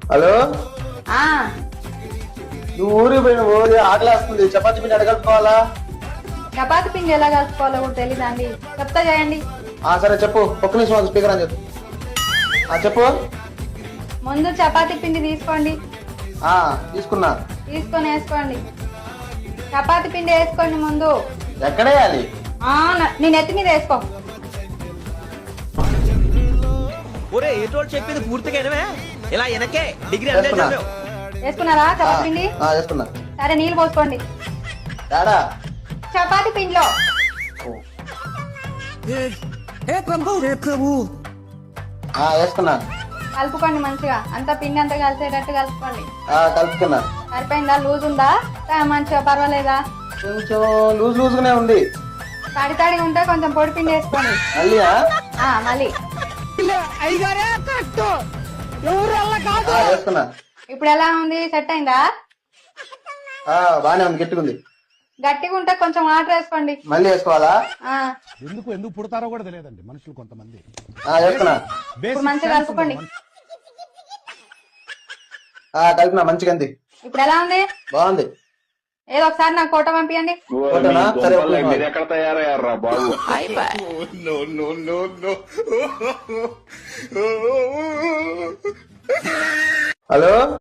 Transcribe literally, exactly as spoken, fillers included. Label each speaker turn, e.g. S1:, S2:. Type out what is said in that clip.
S1: Hello,
S2: ఆ
S1: నువ్వు ఊరికి పోయిన ఊరి ఆకలి వస్తుంది, చపాతి పిండి అడగలుపుకోవాలా?
S2: చపాతి పిండి ఎలా కలుపుకోవాలో కూడా తెలీదా అండి? చెప్తా చేయండి.
S1: ఆ సరే చెప్పు, ఒక్క నిమిషం స్పీకర్ అని చెప్పు. ఆ చెప్పు.
S2: ముందు చపాతి పిండి తీసుకోండి.
S1: ఆ తీసుకున్నా.
S2: తీసుకొని వేసుకోండి. చపాతి పిండి వేసుకోండి ముందు.
S1: ఎక్కడ వేయాలి?
S2: ఆ నేను ఎత్తి మీద వేసుకో.
S3: ఒరే ఏటోళ్ళు చెప్పింది పూర్తిగా వినవే? ఇలా వెనకే డిగ్రీ అంతే
S1: వేసుకున్నా.
S3: చదివావు.
S2: వేసుకున్నారా
S1: ఆ,
S2: చపాతి పిండి?
S1: ఆ, వేసుకున్నా.
S2: సరే నీళ్ళు పోసుకోండి
S1: తేడా.
S2: చపాతి పిండిలో.
S1: ఆ వేసుకున్నా.
S2: కలుపుకోండి మంచిగా, అంతా పిండి అంతా కలిసేటట్టు కలుపుకోండి.
S1: ఆ కలుపుకున్నా.
S2: సరిపోయిందా? లూజ్ ఉందా? ఆ, మంచిగా పర్వాలేదా?
S1: కొంచెం లూజ్ లూజ్ గానే ఉంది.
S2: తడి తడిగా ఉంటే కొంచెం పొడి పిండి వేసుకోండి.
S1: మళ్ళీ ఆ?
S2: ఆ మళ్ళీ
S1: ఆ, వేసుకున్నా.
S2: ఇప్పుడు ఎలా ఉంది? సెట్ అయిందా?
S1: ఆ బానే ఉంది, గట్టిగుంది.
S2: గట్టిగా ఉంటే కొంచెం వాటర్ వేసుకోండి.
S1: మళ్ళీ వేసుకోవాలా?
S2: ఆ
S4: ఎందుకు ఎందుకు పుడతారో కూడా తెలియదండి మనుషులు కొంతమంది.
S1: ఆ వేసుకున్నా.
S2: ఇప్పుడు మంచిగా కలుపుకోండి.
S1: ఆ కలిపినా, మంచిగా ఉంది.
S2: ఇప్పుడు ఎలా ఉంది?
S1: బాగుంది.
S2: ఏదో ఒకసారి నాకు ఫోటో పంపించండి.
S1: ఫోటోనా? సరే ఒక్క నిమిషం.
S5: మీరు ఎక్కడ తయారయ్యారా బాబు?
S1: హలో.